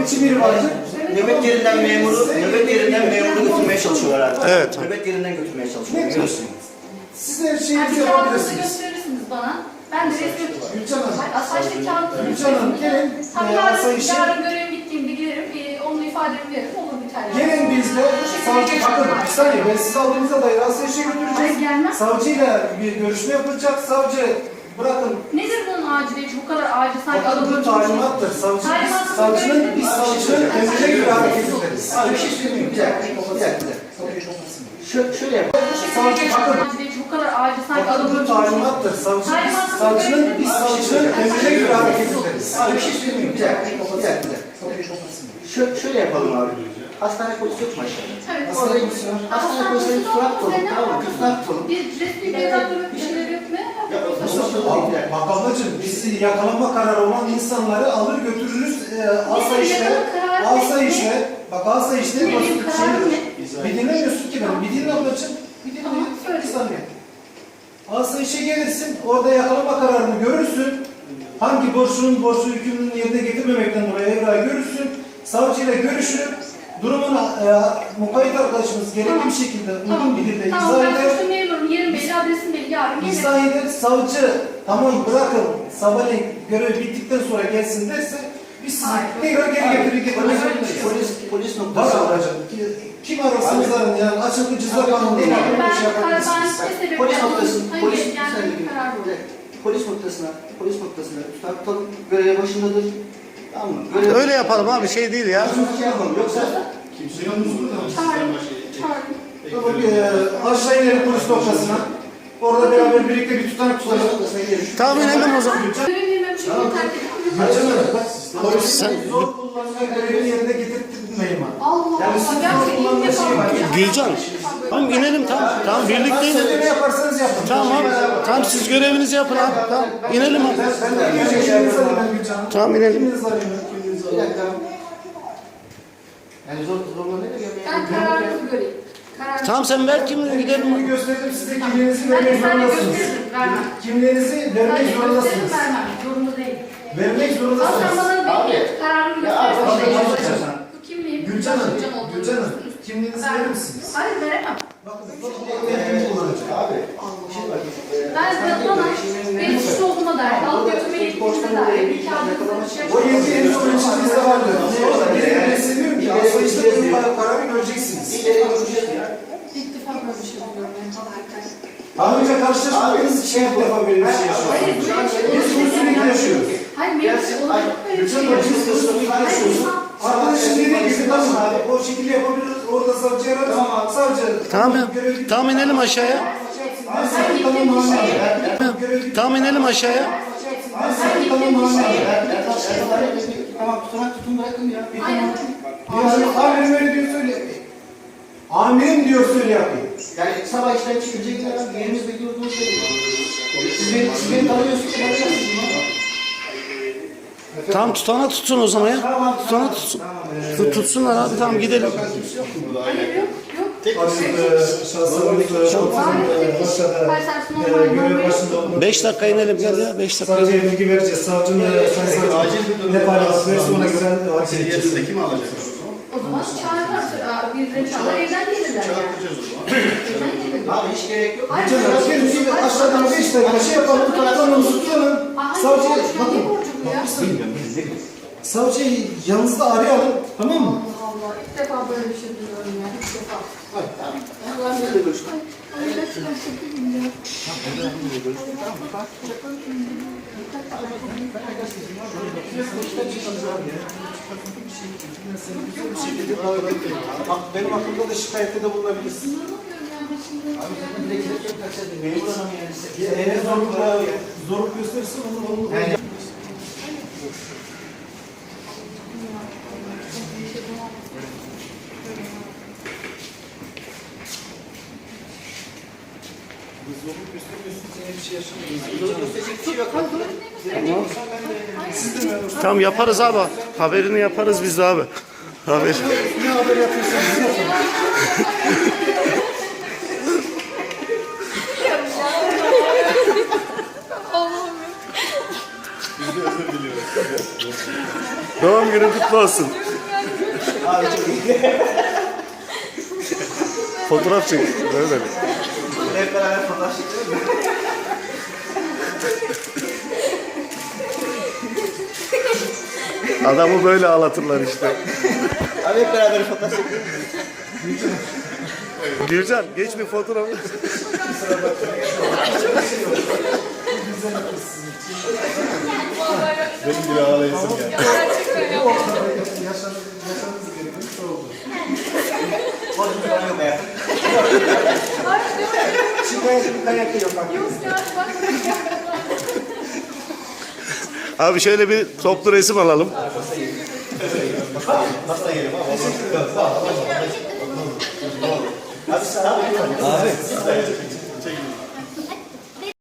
nöbetçi biri vardır. Nöbet yerinden memuru götürmeye çalışıyorlar artık. Evet. Nöbet yerinden götürmeye çalışıyorlar. Görüyorsun. Siz her şeyinizi Kağıdınızı yapabilirsiniz. gösterirsiniz bana. Ben de resmi Gülcan Hanım. asayişte kağıdınızı Gülcan Hanım gelin. Tabii Asayişe yarın görevim bittiğimde giderim. Onun ifademi veririm. Olur biter. gelin bizde. Savcı bakın bir saniye ben sizi aldığınızda dair asayişe Hayır, götüreceğiz. gelmem. Savcıyla bir görüşme yapılacak. Savcı bırakın. Nedir bunun aciliyeti? Bu kadar acil sanki Bakın bu adamın talimattır. Biz savcının emrine göre hareket ederiz. Abi bir şey söyleyeyim. Bir dakika. Şöyle yapalım. Savcı bakın. aciliyeti bu kadar acil sanki Bakın bu adamın talimattır. Biz savcının emrine göre hareket ederiz. Abi bir şey söyleyeyim. Bir dakika. Şöyle yapalım abi. Hastane polisi yok mu aşağıda? Evet. Hastane polisi var. Hastane polisine tutunak tutalım. Tamam mı? Tutunak tutalım. Bir resmi bir evraklı bir şeyler yok mu? Bak ablacığım biz yakalama kararı olan insanları alır götürürüz asayişle. Bak asayişle Ne benim kararım bir dinlemiyorsun ki ben. Bir dinle ablacığım. Bir dinle. Tamam, söyle. Bir saniye. Asayişe gelirsin. Orada yakalama kararını görürsün. Hangi borçlu hükmünün yerine getirmemekten dolayı evrağı görürsün. Savcıyla görüşür. Durumunu mukayyet arkadaşımız gerekli bir şekilde uygun bir dilde Tamam, izah ben eder. suçlu memurum. Yerim belli, adresim belli. Yarın gelirim. İzah eder, savcı tamam bırakın sabahleyin görev bittikten sonra gelsin derse biz sizi tekrar geri getirmek Polis var noktası. alacak. Kim ararsanız arın yani açık ceza kanunu değil. Ben Şey yapabilirsiniz. ne sebep Polis noktasına, Hayır, yani bir karar bu. polis noktasına tutak tutalım. Görev başındadır. Tamam mı? Öyle yapalım abi, şey değil ya. Yoksa Çağırın. Aşağı inelim polis noktasına. Orada beraber birlikte bir tutanak tutalım. Tamam, inelim o zaman. Görevimi şekilde terk edin. Polis zor kullanma görevini yerine getirtmeyin bana. Allah Yani Allah. siz zor Gerçekten kullanma ilk şeyi defa var. yapacağım. Gülcan. Tamam inelim, tamam birlikte Siz inelim. ne yaparsanız yapın. Tamam abi. Tamam siz görevinizi yapın abi. Tamam inelim abi. Ben de kiminizi arayayım Gülcan Hanım. Tamam inelim. Kiminizi arayayım? bir dakika. Yani zorla ne de Ben kararınızı göreyim. Kararınızı. Tamam sen ver kimliğini gidelim. Kimliğimi gösterdim size kimliğinizi Ben de vermek sana zorundasınız. gösteririm. Vermem. Kimliğinizi Ben vermek de gösteririm, zorundasınız. vermem. Zorunda değil. Vermek Aslan zorundasınız. bana bir kararını gösterir. sen. Bu kimliğim. Gülcan Hanım, olduğunu Gülcan Hanım, düşünürsünüz. kimliğinizi Vermem. verir misiniz? Hayır veremem. Bakın, kim kullanacak? Abi. Ben bana benim suçlu olduğuma dair, alıp götürmeye gittiğime dair bir kağıdınızı şey O yedi en son içinizde vardı. Ben seviyorum ki asayişte benim kararı göreceksiniz. İlk defa böyle bir şey oluyor. Daha önce karşılaşmadığınız için ilk defa böyle bir şey Hayır, yaşıyorsunuz. böyle bir şey Biz bunu sürekli yaşıyoruz. Hayır, mevcut olarak böyle bir Gülcan şey Hanım, biz bunu yaşıyoruz. sürekli yaşıyoruz. Arkadaşım dediği gibi tamam abi, o şekilde yapabiliriz. Orada savcı ararız. Savcı. Tamam ya. Tamam inelim aşağıya. Ben gittiğim bir şeye, Tamam inelim aşağıya. ben gittiğim bir şeye, Tamam tutunak tutun bırakın ya. aynen. Amirim öyle diyor söyle. Amirim diyor söyle yapayım. Yani sabah işten çıkınca gidelim. Yerimiz belli olduğunu söylüyoruz. Siz beni tanıyorsunuz. Tamam tutana tutsun o zaman ya. Tutana tutsun. Tutsunlar abi, tamam gidelim. Hayır, yok, yok. Şahsımız Başka'da görev başında olmak. 5 dakika inelim gel ya, 5 dakika. Savcıya bilgi vereceğiz. Savcının ne paylaşması verirse ona göre hareket edeceğiz. Kim alacak? O zaman çağırırlar, birileri çağırır, evden gelirler yani. Evden gelirler. Abi hiç gerek yok. Hayır, Canım, gelin siz de aşağıdan 5 dakika şey yapalım, tutalım, tutalım. Savcı, bakın, savcıyı yanınızda arayalım, tamam mı? Allah Allah, ilk defa böyle bir şey duyuyorum ya, ilk defa. Allah'ım nerede görüştük? Ay, gerçekten çok üzüldüm ya. Bak benim aklımda da şikayette de bulunabilirsin. Memur adam yani. Eğer zorluk gösterirse onu zorluk göstermiyorsunuz, yine bir şey yaşamayız. Gösterecek bir şey yok. Tamam yaparız abi. Haberini yaparız biz de abi. Haber. Ne haber yapıyorsanız yapın. Doğum günün kutlu olsun. Abi çok iyi. Fotoğraf çek. Böyle. Hep beraber fotoğraf çekelim mi? Adamı böyle ağlatırlar işte. Abi hep beraber fotoğraf çekelim mi? Gürcan geç bir fotoğraf. Benim bir ağlayasım geldi. Gerçekten yapmadım. Yaşanız gerekiyormuş oldu. Bozuk yok ya. Hayır, yok. Şikayet bir kayakta yok bak. Yok ya, bak. Abi şöyle bir toplu resim alalım. Hasta yerim ama. Abi sağ ol. Abi